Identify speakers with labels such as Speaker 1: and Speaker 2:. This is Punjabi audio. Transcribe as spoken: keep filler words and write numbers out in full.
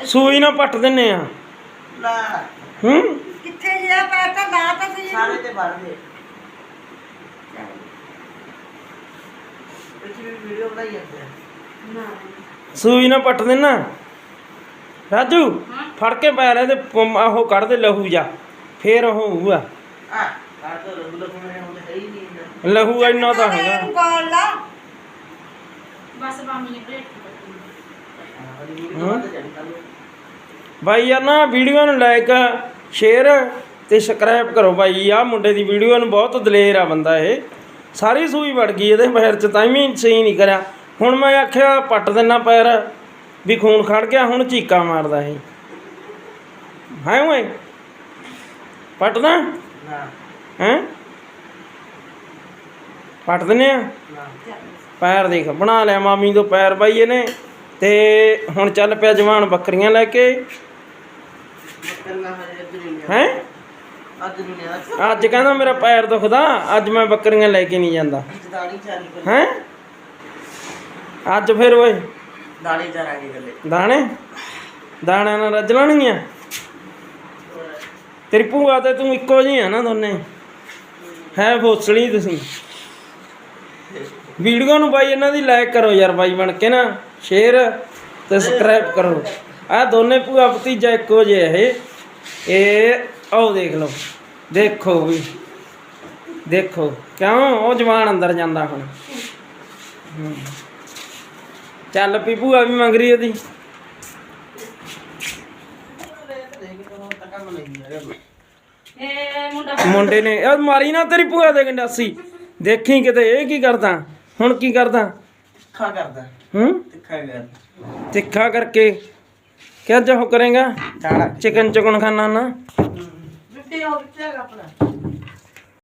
Speaker 1: ਸੂਈ ਨਾ ਪੱਟ ਦਿੰਨੇ ਆ
Speaker 2: ਲਾ
Speaker 1: ਹੂੰ
Speaker 3: ਕਿੱਥੇ ਜਿਆ ਪੈਰ ਤਾਂ ਲਾ ਤਾਂ ਸਹੀ
Speaker 2: ਸਾਰੇ ਤੇ ਵੜ ਦੇ ਇਹ ਵੀਡੀਓ ਬਣਾਈ ਜਾਂਦੇ ਆ
Speaker 3: ਨਾ
Speaker 1: ਸੂਈ ਨਾ ਪੱਟ ਦੇਣਾ ਰਾਜੂ ਫੜ ਕੇ ਪੈਰ ਇਹਦੇ ਪ- ਉਹ ਕੱਢ ਦੇ ਲਹੂ ਜਾ ਫੇਰ ਉਹ ਹੋਊਗਾ
Speaker 2: ਆ ਕਾਟ ਤੋਂ ਰੰਗ ਲਗਾਉਣੇ ਹੁੰਦੇ ਹੈ ਹੀ ਨਹੀਂ
Speaker 1: ਲਹੂ ਇੰਨਾ ਤਾਂ ਹੈਗਾ
Speaker 3: ਇਹਨੂੰ ਗਾਲ ਲਾ
Speaker 4: ਬਸ ਮਾਮੀ ਨੇ ਬ੍ਰੇਕ
Speaker 1: ਬਾਈ ਯਾਰ ਨਾ ਵੀਡੀਓ ਨੂੰ ਲਾਈਕ ਸ਼ੇਅਰ ਤੇ ਸਬਸਕ੍ਰਾਈਬ ਕਰੋ ਬਾਈ ਆ ਮੁੰਡੇ ਦੀ ਵੀਡੀਓ ਨੂੰ ਬਹੁਤ ਦਲੇਰ ਆ ਬੰਦਾ ਇਹ ਸਾਰੀ ਸੂਈ ਵੜ ਗਈ ਇਹਦੇ ਪੈਰ 'ਚ ਤਾਂ ਵੀ ਸਹੀ ਨਹੀਂ ਕਰਿਆ ਹੁਣ ਮੈਂ ਆਖਿਆ ਪੱਟ ਦਿੰਨਾ ਪੈਰ ਵੀ ਖੂਨ ਖੜ ਗਿਆ ਹੁਣ ਚੀਕਾਂ ਮਾਰਦਾ ਇਹ ਹੈ ਓਏ ਪੱਟਦਾ
Speaker 2: ਨਾ
Speaker 1: ਹੈਂ ਪੱਟ ਦਿੰਨੇ ਆ
Speaker 2: ਨਾ
Speaker 1: ਪੈਰ ਦੇਖ ਬਣਾ ਲਿਆ ਮਾਮੀ ਤੋਂ ਪੈਰ ਬਾਈ ਇਹਨੇ ਤੇ ਹੁਣ ਚੱਲ ਪਿਆ ਜਵਾਨ ਬੱਕਰੀਆਂ ਲੈ ਕੇ
Speaker 2: ਕਰਨਾ ਹਜੇ ਅੱਜ ਨਹੀਂ
Speaker 1: ਹੈਂ
Speaker 2: ਅੱਜ ਨਹੀਂ ਆ
Speaker 1: ਅੱਜ ਕਹਿੰਦਾ ਮੇਰਾ ਪੈਰ ਦੁਖਦਾ ਅੱਜ ਮੈਂ ਬੱਕਰੀਆਂ ਲੈ ਕੇ ਨਹੀਂ ਜਾਂਦਾ
Speaker 2: ਦਾੜੀ ਚਾਰੀ ਕਰ
Speaker 1: ਹੈਂ ਅੱਜ ਫਿਰ ਓਏ
Speaker 2: ਦਾੜੀ ਚਾਰਾਂਗੇ ਗੱਲੇ
Speaker 1: ਦਾਣੇ ਦਾਣਿਆਂ ਨਾਲ ਰੱਜ ਲੈਣਗੀਆਂ ਤੇਰੀ ਭੂਆ ਤੇ ਤੂੰ ਇੱਕੋ ਜਿਹੀ ਆ ਨਾ ਦੋਨੇ ਹੈ ਫੋਸਲੀ ਤੁਸੀਂ ਵੀਡੀਓ ਨੂੰ ਬਾਈ ਇਹਨਾਂ ਦੀ ਲਾਈਕ ਕਰੋ ਯਾਰ ਬਾਈ ਬਣ ਕੇ ਨਾ ਸ਼ੇਅਰ ਤੇ ਸਬਸਕ੍ਰਾਈਬ ਕਰੋ ਆਹ ਦੋਨੇ ਭੂਆ ਭਤੀਜਾ ਇੱਕੋ ਜਿਹੇ ਇਹ ਇਹ ਆਓ ਦੇਖ ਲਓ ਦੇਖੋ ਵੀ ਦੇਖੋ ਕਿਉਂ ਉਹ ਜਵਾਨ ਅੰਦਰ ਜਾਂਦਾ ਹੁਣ ਹੂੰ। ਚੱਲ ਪੀ ਭੂਆ ਵੀ ਮੰਗ ਰਹੀ ਉਹਦੀ
Speaker 4: ਇਹ ਮੁੰਡਾ
Speaker 1: ਮੁੰਡੇ ਨੇ ਉਹ ਮਾਰੀ ਨਾ ਤੇਰੀ ਭੂਆ ਦੇ ਗੰਡਾਸੀ ਦੇਖੀ ਕਿਤੇ ਇਹ ਕੀ ਕਰਦਾ ਹੁਣ ਕੀ ਕਰਦਾ
Speaker 2: ਤਿੱਖਾ ਕਰਦਾ
Speaker 1: ਹੂੰ
Speaker 2: ਤਿੱਖਾ ਕਰ
Speaker 1: ਤਿੱਖਾ ਕਰਕੇ ਕਿਆ ਜੋ ਕਰੇਗਾ
Speaker 2: ਦਾੜਾ
Speaker 1: ਚਿਕਨ ਚੁਕਨ ਖਾਣਾ ਨਾ
Speaker 2: ਮਿੱਟੀ ਹੋ ਕਿੱਥੇ ਹੈਗਾ ਆਪਣਾ